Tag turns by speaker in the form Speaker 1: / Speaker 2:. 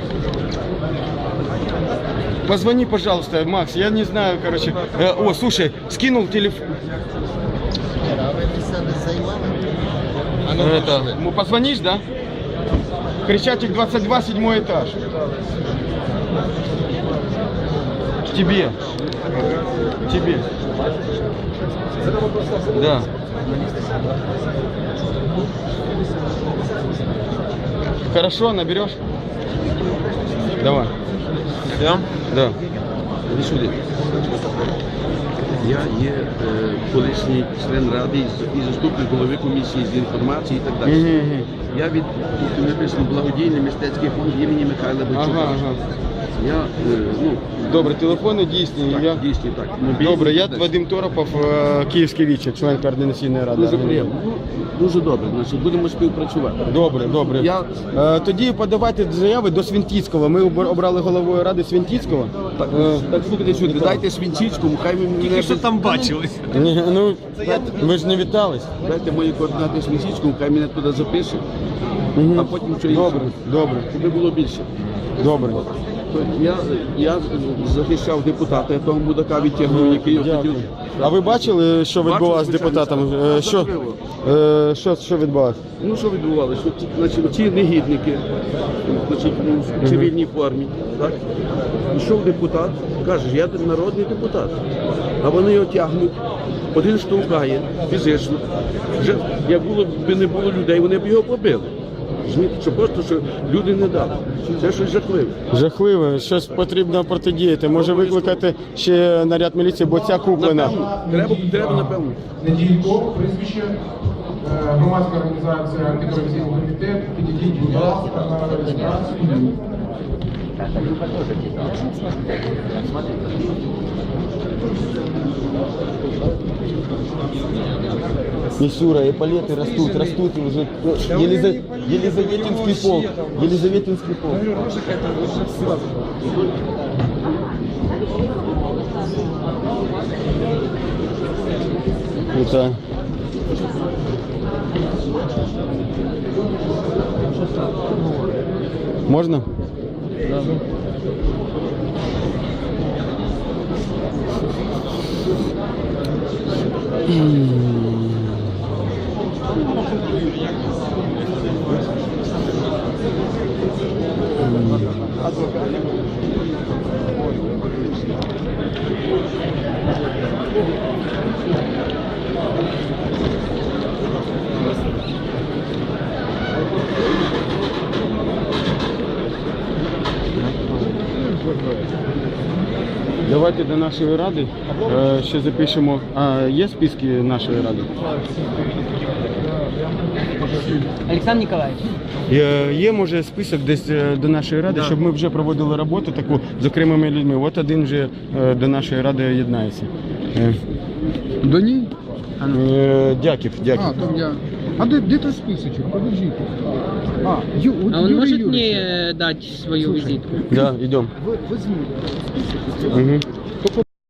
Speaker 1: Позвони, пожалуйста, Макс, я не знаю, короче. О, слушай, скинул телефон. Это, позвонишь, да? Крещатик 22, 7 этаж. Тебе. Тебе. Да. Хорошо, наберешь? Давай.
Speaker 2: Я?
Speaker 1: Да. Іди сюди.
Speaker 3: Я є колишній член ради і заступник голови комісії з інформації і так далі. Я від написано благодійний мистецький фонд імені Михайла Бойчука. Я,
Speaker 1: Добре, телефони дійсні.
Speaker 3: так, дійсні, так.
Speaker 1: Добре, я Вадим Торопов, Київський віче, член координаційної ради.
Speaker 3: Дуже приємно. Дуже добре, значить, будемо співпрацювати.
Speaker 1: Добре, добре. Тоді подавайте заяви до Свінтіцького. Ми обрали головою ради Свінтіцького.
Speaker 3: Так, слухайте сюди, дайте Свінтіцькому, хай він мене...
Speaker 2: Що там бачили?
Speaker 1: Ну, ми ж не вітались.
Speaker 3: Дайте мої координати Свінтіцькому, хай мене туди запише, а потім що інше.
Speaker 1: Добре, добре.
Speaker 3: Щоб було більше.
Speaker 1: Добре.
Speaker 3: Я захищав депутата, я того мудака відтягнув, який хотів.
Speaker 1: А ви бачили, що відбувалося з депутатом? Що відбувалося?
Speaker 3: Ну, що відбувалося? Значить, ці негідники, значить, в цивільній формі, так? Пішов депутат, каже, я народний депутат, а вони його тягнуть, один штовхає фізично. Вже, як не було людей, вони б його побили. Що просто, що люди не дали. Це щось жахливе.
Speaker 1: Жахливе, щось потрібно протидіяти. Може викликати ще наряд міліції, бо ця куплена.
Speaker 3: Треба, напевно.
Speaker 4: Неділько, прізвище, громадська організація антикорупційний комітет, підійдіть, будь ласка, на реєстрацію.
Speaker 1: Мишура, эполеты растут и уже Елизаветинский полк. Елизаветинский полк. Это... Можно? Да. Давайте до нашої ради ще запишемо. А є списки нашої ради?
Speaker 5: Олександр Ніколаєвич.
Speaker 1: Є, може, список десь до нашої ради, щоб ми вже проводили роботу таку з окремими людьми. От один вже до нашої ради єднається.
Speaker 4: До ній?
Speaker 1: Дяків.
Speaker 4: А де той списочок? Подождите.
Speaker 5: А он может мне дать свою визитку?
Speaker 1: Да, идем.
Speaker 4: Возьми список.